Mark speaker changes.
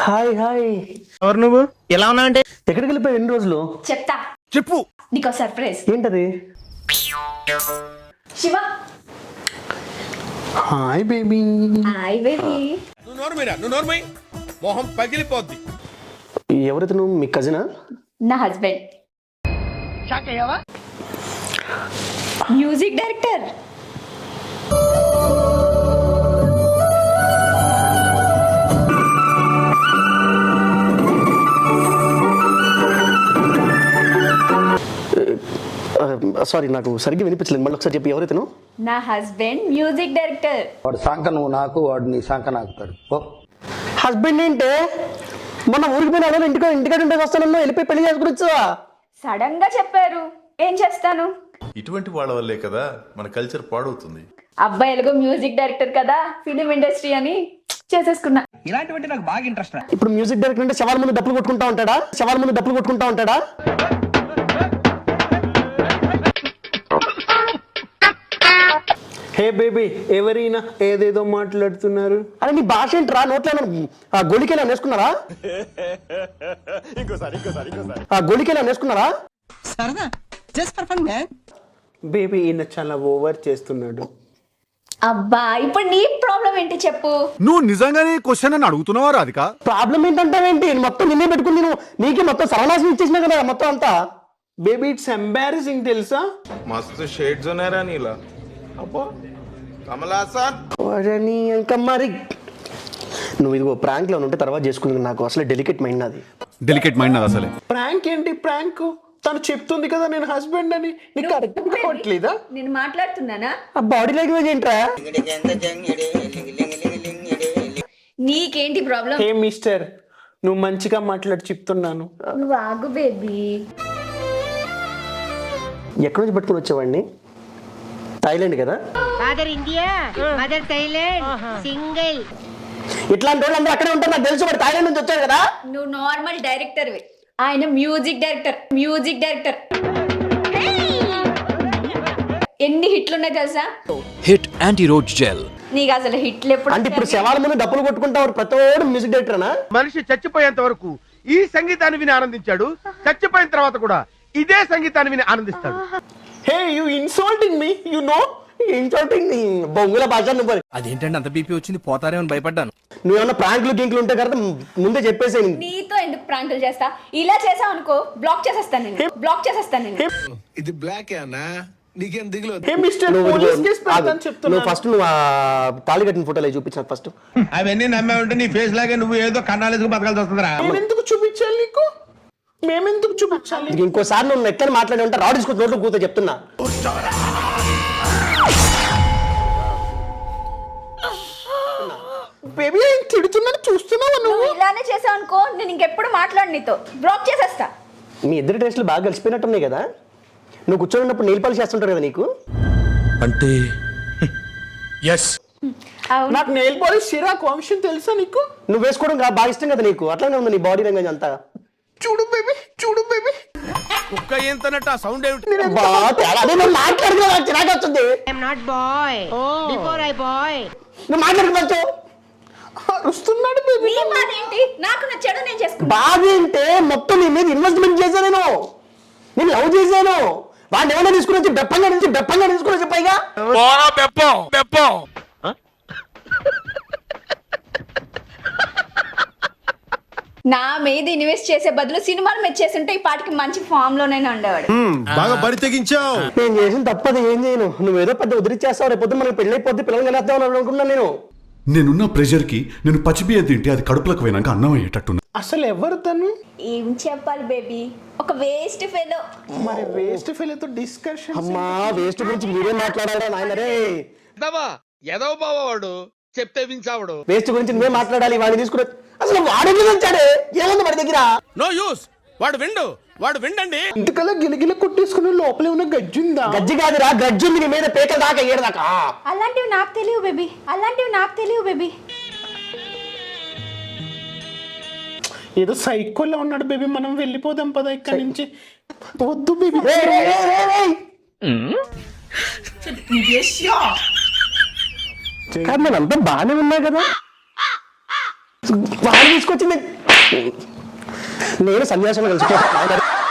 Speaker 1: Hi hi.
Speaker 2: ఎవరు నువ్వు ఎలా ఉన్నా అంటే
Speaker 1: ఎక్కడికి వెళ్ళిపోయావు ఎన్ని రోజులు?
Speaker 3: చెప్తా,
Speaker 2: చెప్పు.
Speaker 3: నీకో సర్ప్రైజ్.
Speaker 1: ఏంటది?
Speaker 3: Shiva,
Speaker 1: hi baby.
Speaker 3: Hi baby.
Speaker 2: నువ్వు నోర్మై మొహం పగిలిపోద్ది.
Speaker 1: ఎవరైతే నువ్వు? మీ కజినా?
Speaker 3: నా హస్బెండ్, మ్యూజిక్ డైరెక్టర్.
Speaker 1: సారీ, నాకు సరిగ్గా వినిపించలేదు. మళ్ళీ ఒకసారి చెప్పి, ఎవరైతే నువ్వు?
Speaker 3: నా హస్బెండ్ మ్యూజిక్ డైరెక్టర్.
Speaker 4: వాడు సాంక నువ్వు నాకు, వాడు నీ సాంక నాకుతాడు.
Speaker 1: హస్బెండ్ ఏంటే? మొన్న ఊరికి పోయిన వాళ్ళు ఇంటికాడ ఉంటే వస్తానన్నా, వెళ్ళిపోయి పెళ్లి చేసుకుని
Speaker 3: సడన్ గా చెప్పారు, ఏం చేస్తాను?
Speaker 5: ఇటువంటి వాళ్ళ వల్లే కదా మన కల్చర్ పాడవుతుంది.
Speaker 3: అబ్బాయి ఎలాగో మ్యూజిక్ డైరెక్టర్ కదా, ఫిలిం ఇండస్ట్రీ అని చేసేసుకున్నా.
Speaker 2: ఇలాంటివంటే నాకు బాగా ఇంట్రెస్ట్.
Speaker 1: ఇప్పుడు మ్యూజిక్ డైరెక్టర్ అంటే శవాల ముందు డప్పులు కొట్టుకుంటా ఉంటాడా?
Speaker 6: హే బేబీ, ఎవరైనా ఏదేదో మాట్లాడుతున్నారు.
Speaker 1: అరే నీ భాష ఏంట్రా? నోట్లో గొలికేలా వేసుకున్నారా? గొలికేలా వేసుకున్నారా?
Speaker 6: బేబీ, ఈయన చాలా ఓవర్ చేస్తున్నాడు.
Speaker 3: అబ్బా, ఇప్పుడు నీ ప్రాబ్లం ఏంటి చెప్పు.
Speaker 7: నువ్వు నిజంగానే క్వశ్చన్ అని అడుగుతున్నావా రాధిక?
Speaker 1: ప్రాబ్లం ఏంటంటావేంటి? మొత్తం నిన్నే పెట్టుకుని నీకే మొత్తం సర్వనాశనం ఇచ్చేసినా కదా మొత్తం అంతా.
Speaker 6: బేబీ, ఇట్స్ ఎంబారసింగ్ తెలుసా?
Speaker 5: మస్తు షేడ్స్ ఉన్నారా నీలా? అబ్బో కమలాసన్.
Speaker 1: ఇంకా మరి నువ్వు ఇదిగో ప్రాంక్ లో ఉంటే తర్వాత చేసుకుంది. నాకు అసలే డెలికేట్ మైండ్ అది.
Speaker 7: డెలికేట్ మైండ్ అది అసలే.
Speaker 6: ప్రాంక్ ఏంటి ప్రాంక్? తను చెప్తుంది కదా నేను హస్బెండ్ అని, నీకు అర్థం కావట్లేదా?
Speaker 3: నేను మాట్లాడుతున్నానా?
Speaker 1: ఆ బాడీ లాంగ్వేజ్ ఏంట్రా?
Speaker 3: నీకేంటి ప్రాబ్లం?
Speaker 6: హే మిస్టర్, నువ్వు మంచిగా మాట్లాడి చెప్తున్నాను.
Speaker 3: నువ్వు ఆగు బేబీ.
Speaker 1: ఎక్కడి నుంచి పట్టుకుని వచ్చేవాడిని? థాయిలాండ్ కదా?
Speaker 8: Father India, mother Thailand, single.
Speaker 1: ఇట్లాంటి వాళ్ళు అందరూ అక్కడే ఉంటారు, నాకు తెలుసు. మరి థాయిలాండ్ నుంచి వచ్చారు కదా.
Speaker 3: నువ్వు నార్మల్ డైరెక్టర్, ఆయన మ్యూజిక్ డైరెక్టర్. ఎన్ని హిట్లు ఉన్నాయి తెలుసా?
Speaker 9: హిట్ యాంటీ రోడ్ జెల్.
Speaker 3: నీకు అసలు హిట్లు ఎప్పుడు?
Speaker 1: అంటే ఇప్పుడు శవాల ముందు డబ్బులు కొట్టుకుంటారు ప్రతి ఒక్కడు మ్యూజిక్ డైరెక్టర్నా?
Speaker 2: మనిషి చచ్చిపోయేంత వరకు ఈ సంగీతాన్ని విని ఆనందించాడు. చచ్చిపోయిన తర్వాత కూడా ఇదే సంగీతాన్ని విని ఆనందిస్తాడు.
Speaker 6: Hey, you insulting me, you know?
Speaker 1: Insulting బొంగుల భాష. నువ్వు
Speaker 9: అదేంటండి అంత బీపీ వచ్చింది, పోతారేమని భయపడ్డాను.
Speaker 1: నువ్వేమన్నా ప్రాంకులు గింకులు ఉంటే కదా ముందే చెప్పేసి.
Speaker 3: నీతో ఎందుకు ప్రాంకులు చేస్తా? ఇలా చేసావు అనుకో, బ్లాక్ చేసేస్తాను నేను.
Speaker 7: ఇది బ్లాక్ అన్నా, నీకేం దిగులు?
Speaker 6: హే మిస్టర్, పోలీస్ కేస్ పెడతాను చెప్తున్నా.
Speaker 1: నువ్వు ఫస్ట్ నువ్వు తాళి కట్టిన ఫోటోలు చూపించాను ఫస్ట్.
Speaker 2: అవన్నీ నమ్మే ఉంటే నీ ఫేస్ లాగే నువ్వు ఏదో కన్నాలేసుకు బతకాల్సి వస్తుందిరా.
Speaker 6: మేమెందుకు చూపించాలి నీకు? మేమెందుకు చూపించాలి?
Speaker 1: ఇంకోసారి నువ్వు ఎట్లా మాట్లాడి ఉంటా రాడు తీసుకుని నోట్లో కూర్చో చెప్తున్నా.
Speaker 6: బేబీ, తిడుతున్నాను చూస్తున్నావా నువ్వు?
Speaker 3: నువ్వు ఇలానే చేసావు అనుకో, నేను ఇంకెప్పుడు మాట్లాడు నీతో, బ్లాక్ చేసేస్తా.
Speaker 1: మీ ఇద్దరి టేస్ట్లు బాగా కలిసిపోయినట్టున్నాయి కదా. నువ్వు కూర్చొని ఉన్నప్పుడు నెయిల్ పాలిష్ చేస్తుంటారు కదా నీకు.
Speaker 7: అంటే ఎస్,
Speaker 3: అవును.
Speaker 6: నాకు నెయిల్ పాలిష్ చిరాకు. విషయం తెలుసా నీకు?
Speaker 1: నువ్వు వేసుకోవడం బాగా ఇష్టం కదా నీకు. అట్లానే ఉంది నీ బాడీ లాంగ్వేజ్ అంతా.
Speaker 6: చూడు బేబీ.
Speaker 2: కుక్క ఏంతనట్టు ఆ సౌండ్ ఏమిటి?
Speaker 1: మాట్లాడుతున్నా చిరాకు వస్తుంది.
Speaker 8: I'm not boy, before I boy.
Speaker 1: నువ్వు మాట్లాడుకోవచ్చు.
Speaker 6: అరుస్తున్నాడు బేబీ.
Speaker 3: నీ బాధ ఏంటి? నాకు నచ్చాడు, నేను చేసుకున్నా.
Speaker 1: బాధ అంటే మొత్తం నీ మీద ఇన్వెస్ట్మెంట్ చేశాను నేను లవ్ చేశాను. వాడిని ఏమైనా తీసుకుని వచ్చి బెప్పంగా తీసుకుని వచ్చి పైగా
Speaker 3: నా మీద ఇన్వెస్ట్ చేసే బదులు సినిమాలు మీద చేస్తుంటే ఈ పాటికి మంచి ఫామ్ లోనైనా ఉండేవాడు.
Speaker 7: బాగా బరి తెగించావు.
Speaker 1: నేను చేసిన తప్పది ఏం చేయను. నువ్వేదో పెద్ద ఉదిరిచ్చేస్తావు. రేపు మనకి పెళ్ళైపోద్ది, పిల్లలు కనేద్దాం అనుకున్నాను నేను.
Speaker 7: నేనున్న ప్రెషర్ కి నేను పచ్చిబియ్యం తింటే అది కడుపులకు పోయినాక అన్నం అయ్యేటట్టున్నా.
Speaker 6: అసలు ఎవరు తను?
Speaker 3: ఏం చెప్పాలి బేబీ, ఒక వేస్ట్ ఫెలో.
Speaker 6: మరి వేస్ట్ ఫెలోతో డిస్కషన్.
Speaker 1: అమ్మా, వేస్ట్ గురించి మీరే మాట్లాడాలా నాయన రే?
Speaker 2: ఎదవ బావాడు చెప్తే వించావుడు.
Speaker 1: వేస్ట్ గురించి నువ్వే మాట్లాడాలి. వాడిని తీసుకుని అసలు వాడు వచ్చాడే, ఏముంది వాడి దగ్గర?
Speaker 2: No use. వాడు విండండి.
Speaker 6: ఇంటికల్లా గిలగిల కొట్టేసుకుని లోపల ఉన్న గజ్జుందా?
Speaker 1: గజ్జి కాదురా, గజ్జుంది నీ మీద పేకల దాకా ఏడదాకా.
Speaker 3: అలాంటివి నాకు తెలియవు బేబీ.
Speaker 6: ఏదో సైకోలో ఉన్నాడు బేబీ. మనం వెళ్ళిపోదాం పద ఇక్కడి నుంచి. వద్దు బేబీ.
Speaker 1: కానీ నేనంతా బాగానే ఉన్నా కదా. వాడు తీసుకొచ్చింది నేను సన్యాసంలో కలిసిపోతాను